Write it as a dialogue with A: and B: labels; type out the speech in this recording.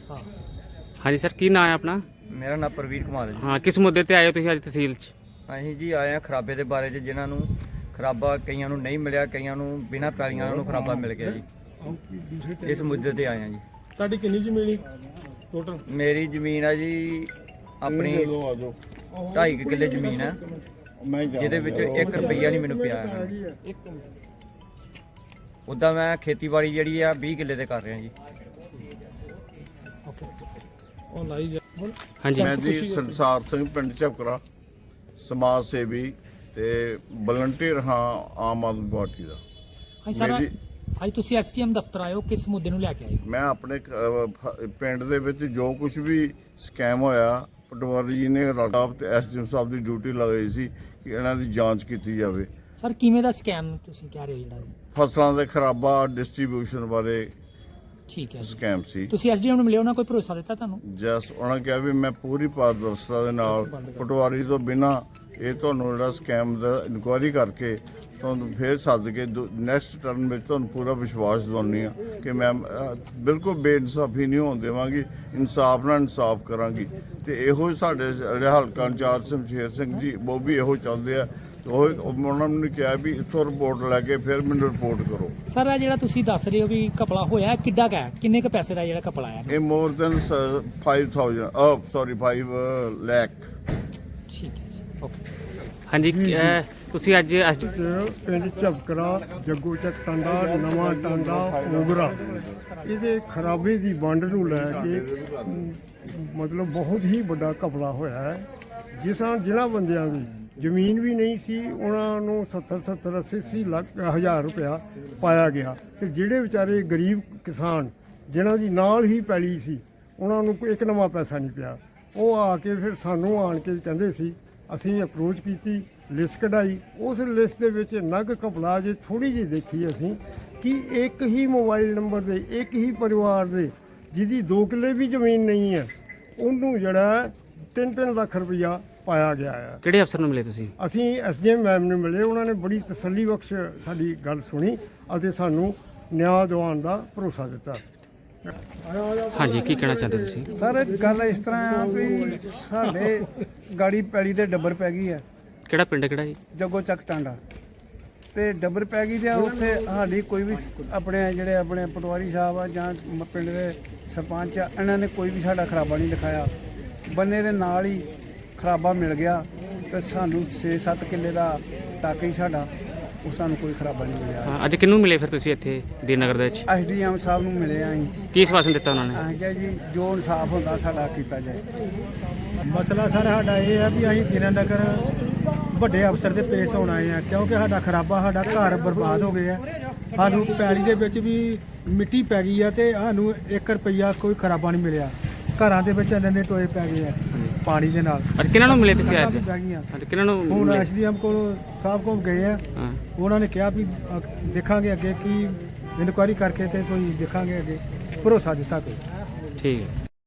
A: हाँ जी सर, की नाम है अपना?
B: ਮੇਰਾ ਨਾਮ ਪ੍ਰਵੀਰ ਕੁਮਾਰ ਹੈ ਜੀ।
A: हाँ, किस मुद्दे ते आए हो तुसीं अज तहसील च?
B: ਅਸੀਂ ਜੀ ਆਏ ਆ ਖਰਾਬੇ ਦੇ ਬਾਰੇ 'ਚ, ਜਿਨ੍ਹਾਂ ਨੂੰ ਖਰਾਬਾ ਕਈਆਂ ਨੂੰ ਨਹੀਂ ਮਿਲਿਆ, ਕਈਆਂ ਨੂੰ ਬਿਨਾਂ ਪੈਲੀਆਂ ਨੂੰ ਖਰਾਬਾ ਮਿਲ ਗਿਆ ਜੀ। ਇਸ ਮੁੱਦੇ ਤੇ ਆਏ ਆ ਜੀ।
C: ਤੁਹਾਡੀ ਕਿੰਨੀ ਜ਼ਮੀਨ ਟੋਟਲ?
B: ਮੇਰੀ ਜ਼ਮੀਨ ਆ ਜੀ ਆਪਣੀ 2.5 ਕਿੱਲੇ ਜ਼ਮੀਨ ਹੈ, ਜਿਹਦੇ ਵਿੱਚ 1 ਰੁਪਈਆ ਨਹੀਂ ਮੈਨੂੰ ਪਿਆ ਹੈ। ਉੱਦਾਂ ਮੈਂ ਖੇਤੀਬਾੜੀ ਜਿਹੜੀ ਆ 20 ਕਿੱਲੇ ਤੇ ਕਰ ਰਿਹਾ ਜੀ।
C: ਉਹ ਲਾਈ ਜਾ।
A: हाँ जी,
D: मैं जी संसार सिंह पिंड झपकरा समाज सेवी ते वलंटियर हाँ आम आदमी पार्टी का।
E: ਹਾਂਜੀ ਸਰ,
D: ਮੇਰੀ
E: ਅੱਜ ਤੁਸੀਂ ਐਸਟੀਐਮ ਦਫ਼ਤਰ ਆਏ ਹੋ, ਕਿਸ ਮੁੱਦੇ ਨੂੰ ਲੈ ਕੇ ਆਏ ਹੋ?
D: ਮੈਂ ਆਪਣੇ ਪਿੰਡ ਦੇ ਵਿੱਚ ਜੋ ਕੁਝ ਵੀ ਸਕੈਮ ਹੋਇਆ, ਪਟਵਾਰੀ ਜੀ ਨੇ ਰਾਟਾਪ ਤੇ ਐਸਡੀਐਮ ਸਾਹਿਬ ਦੀ ਡਿਊਟੀ ਲਗਾਈ ਸੀ ਕਿ ਇਹਨਾਂ ਦੀ ਜਾਂਚ ਕੀਤੀ ਜਾਵੇ।
E: ਸਰ ਕਿਵੇਂ ਦਾ ਸਕੈਮ ਤੁਸੀਂ ਕਹਿ ਰਹੇ ਹੋ ਜਿਹੜਾ?
D: ਫਸਲਾਂ ਦੇ ਖਰਾਬਾ ਡਿਸਟ੍ਰੀਬਿਊਸ਼ਨ ਬਾਰੇ
E: ਠੀਕ ਹੈ ਜੀ।
D: ਸਕੈਮ ਸੀ।
E: ਤੁਸੀਂ ਐਸਡੀਐਮ ਨੂੰ ਮਿਲੇ, ਉਹਨਾਂ ਕੋਈ ਭਰੋਸਾ ਦਿੱਤਾ ਤੁਹਾਨੂੰ?
D: ਜਸ ਉਹਨਾਂ ਕਿਹਾ ਵੀ ਮੈਂ ਪੂਰੀ ਪਾਰਦਰਸ਼ਤਾ ਦੇ ਨਾਲ ਪਟਵਾਰੀ ਤੋਂ ਬਿਨਾਂ ਇਹ ਤੁਹਾਨੂੰ ਜਿਹੜਾ ਸਕੈਮ ਦਾ ਇਨਕੁਆਇਰੀ ਕਰਕੇ ਤੁਹਾਨੂੰ ਫਿਰ ਸੱਦ ਕੇ ਨੈਕਸਟ ਟਰਨ ਵਿੱਚ ਤੁਹਾਨੂੰ ਪੂਰਾ ਵਿਸ਼ਵਾਸ ਦਿਵਾਉਂਦੀ ਆ ਕਿ ਮੈਂ ਬਿਲਕੁਲ ਬੇਇਨਸਾਫੀ ਨਹੀਂ ਹੋਣ ਦੇਵਾਂਗੀ, ਇਨਸਾਫ ਨਾਲ ਇਨਸਾਫ ਕਰਾਂਗੀ। ਤੇ ਇਹੋ ਹੀ ਸਾਡੇ ਜਿਹੜੇ ਹਲਕਾ ਇੰਚਾਰਜ ਸ਼ਮਸ਼ੇਰ ਸਿੰਘ ਜੀ ਉਹ ਵੀ ਇਹੋ ਚਾਹੁੰਦੇ ਆ। ਉਹ ਉਹਨਾਂ ਨੂੰ ਕਿਹਾ ਵੀ ਇੱਥੋਂ ਰਿਪੋਰਟ ਲੈ ਕੇ ਫਿਰ ਮੈਨੂੰ ਰਿਪੋਰਟ ਕਰੋ।
E: ਸਰ ਇਹ ਜਿਹੜਾ ਤੁਸੀਂ ਦੱਸ ਰਹੇ ਹੋ ਵੀ ਘਪਲਾ ਹੋਇਆ, ਕਿੱਡਾ ਕੁ ਹੈ, ਕਿੰਨੇ ਕੁ ਪੈਸੇ ਦਾ ਜਿਹੜਾ ਘਪਲਾ ਆਇਆ?
D: ਇਹ ਮੋਰ ਦੈਨ 5,000 5 ਲੱਖ।
E: ਠੀਕ ਹੈ ਜੀ, ਓਕੇ।
A: हाँ जी, तुसीं अज
C: ਪਿੰਡ ਝਪਕਰਾ, ਜੱਗੂ ਚੱਕ ਟਾਂਡਾ, ਨਵਾਂ ਟਾਂਡਾ, ਓਗਰਾ, ਇਹਦੇ ਖਰਾਬੇ ਦੀ ਵੰਡ ਨੂੰ ਲੈ ਕੇ ਮਤਲਬ ਬਹੁਤ ਹੀ ਵੱਡਾ ਘਪਲਾ ਹੋਇਆ ਹੈ। ਜਿਨ੍ਹਾਂ ਬੰਦਿਆਂ ਦੀ ਜ਼ਮੀਨ ਵੀ ਨਹੀਂ ਸੀ, ਉਹਨਾਂ ਨੂੰ 70 80 ਲੱਖ ਹਜ਼ਾਰ ਰੁਪਇਆ ਪਾਇਆ ਗਿਆ। ਤੇ ਜਿਹੜੇ ਵਿਚਾਰੇ ਗਰੀਬ ਕਿਸਾਨ ਜਿਨ੍ਹਾਂ ਦੀ ਨਾਲ ਹੀ ਪੈਲੀ ਸੀ, ਉਹਨਾਂ ਨੂੰ ਕੋਈ ਇੱਕ ਨਵਾਂ ਪੈਸਾ ਨਹੀਂ ਪਿਆ। ਉਹ ਆ ਕੇ ਫਿਰ ਸਾਨੂੰ ਆਣ ਕੇ ਕਹਿੰਦੇ ਸੀ, ਅਸੀਂ ਅਪਰੋਚ ਕੀਤੀ, ਲਿਸਟ ਕਢਾਈ। ਉਸ ਲਿਸਟ ਦੇ ਵਿੱਚ ਨਗ ਘਪਲਾ ਜੇ ਥੋੜੀ ਜਿਹੀ ਦੇਖੀ ਅਸੀਂ ਕਿ ਇੱਕ ਹੀ ਮੋਬਾਈਲ ਨੰਬਰ ਦੇ ਇੱਕ ਹੀ ਪਰਿਵਾਰ ਦੇ ਜਿਹਦੀ 2 ਕਿੱਲੇ ਵੀ ਜ਼ਮੀਨ ਨਹੀਂ ਹੈ, ਉਹਨੂੰ ਜਿਹੜਾ 3-3 ਲੱਖ ਰੁਪਈਆ ਪਾਇਆ ਗਿਆ ਹੈ।
A: ਕਿਹੜੇ ਅਫਸਰ ਨੂੰ ਮਿਲੇ ਤੁਸੀਂ?
C: ਅਸੀਂ ਐਸਡੀਐਮ ਮੈਮ ਨੂੰ ਮਿਲੇ, ਉਹਨਾਂ ਨੇ ਬੜੀ ਤਸੱਲੀ ਬਖਸ਼ ਸਾਡੀ ਗੱਲ ਸੁਣੀ ਅਤੇ ਸਾਨੂੰ ਨਿਆਂ ਦਿਵਾਉਣ ਦਾ ਭਰੋਸਾ ਦਿੱਤਾ।
A: हाँ जी, की कहना चाहते तुसीं?
F: ਸਰ ਗੱਲ ਇਸ ਤਰ੍ਹਾਂ ਆ ਵੀ ਸਾਡੇ ਗਾੜੀ ਪੈਲੀ ਤੇ ਡੱਬਰ ਪੈ ਗਈ ਹੈ,
A: ਕਿਹੜਾ ਪਿੰਡ ਕਿਹੜਾ ਜੀ?
F: ਜੱਗੋ ਚੱਕ ਟਾਂਡਾ ਤੇ ਡੱਬਰ ਪੈ ਗਈ ਤੇ ਉੱਥੇ ਸਾਡੀ ਕੋਈ ਵੀ ਆਪਣੇ ਜਿਹੜੇ ਆਪਣੇ ਪਟਵਾਰੀ ਸਾਹਿਬ ਆ ਜਾਂ ਪਿੰਡ ਦੇ ਸਰਪੰਚ ਆ, ਇਹਨਾਂ ਨੇ ਕੋਈ ਵੀ ਸਾਡਾ ਖਰਾਬਾ ਨਹੀਂ ਲਿਖਾਇਆ। ਬੰਨੇ ਦੇ ਨਾਲ ਹੀ ਖਰਾਬਾ ਮਿਲ ਗਿਆ ਤੇ ਸਾਨੂੰ 6-7 ਕਿੱਲੇ ਦਾ ਟੱਕ ਹੀ ਸਾਡਾ, ਉਹ ਸਾਨੂੰ ਕੋਈ ਖਰਾਬਾ ਨਹੀਂ ਮਿਲਿਆ।
A: ਹਾਂ, ਅੱਜ ਕਿਹਨੂੰ ਮਿਲੇ ਫਿਰ ਤੁਸੀਂ ਇੱਥੇ ਦੀਨਗਰ ਦੇ ਵਿੱਚ?
F: ਐਸਡੀਐਮ ਸਾਹਿਬ ਨੂੰ ਮਿਲੇ ਆ ਅਸੀਂ।
A: ਕੀ ਆਸ਼ਵਾਸਨ ਦਿੱਤਾ ਉਹਨਾਂ ਨੇ?
F: ਅਸੀਂ ਕਿਹਾ ਜੀ ਜੋ ਇਨਸਾਫ ਹੁੰਦਾ ਸਾਡਾ ਕੀਤਾ ਜਾਏ।
C: ਮਸਲਾ ਸਰ ਸਾਡਾ ਇਹ ਹੈ ਵੀ ਅਸੀਂ ਦੀਨਾਨਗਰ ਵੱਡੇ ਅਫਸਰ ਦੇ ਪੇਸ਼ ਹੋਣ ਆਏ ਆ, ਕਿਉਂਕਿ ਸਾਡਾ ਖਰਾਬਾ, ਸਾਡਾ ਘਰ ਬਰਬਾਦ ਹੋ ਗਏ ਆ। ਸਾਨੂੰ ਪੈਲੀ ਦੇ ਵਿੱਚ ਵੀ ਮਿੱਟੀ ਪੈ ਗਈ ਆ ਤੇ ਸਾਨੂੰ 1 ਰੁਪਈਆ ਕੋਈ ਖਰਾਬਾ ਨਹੀਂ ਮਿਲਿਆ। ਘਰਾਂ ਦੇ ਵਿੱਚ ਇੰਨੇ ਟੋਏ ਪੈ ਗਏ ਆ ਪਾਣੀ ਦੇ ਨਾਲ।
A: ਅੱਜ ਕਿਹਨਾਂ ਨੂੰ ਮਿਲੇ ਤੁਸੀਂ? ਅੱਜ
C: ਪੈ ਗਈਆਂ।
A: ਅੱਜ ਕਿਹਨਾਂ ਨੂੰ
C: ਹੁਣ
A: ਮਿਲੇ?
C: ਐਸਡੀਐਮ ਕੋਲ ਸਾਹਿਬ ਕੋਲ ਗਏ ਆ,
A: ਹਾਂ,
C: ਉਹਨਾਂ ਨੇ ਕਿਹਾ ਵੀ ਦੇਖਾਂਗੇ ਅੱਗੇ ਕੀ ਇਨਕੁਆਇਰੀ ਕਰਕੇ ਤੇ ਕੋਈ ਦੇਖਾਂਗੇ ਅੱਗੇ, ਭਰੋਸਾ ਦਿੱਤਾ ਕੋਈ।
A: ਠੀਕ ਹੈ।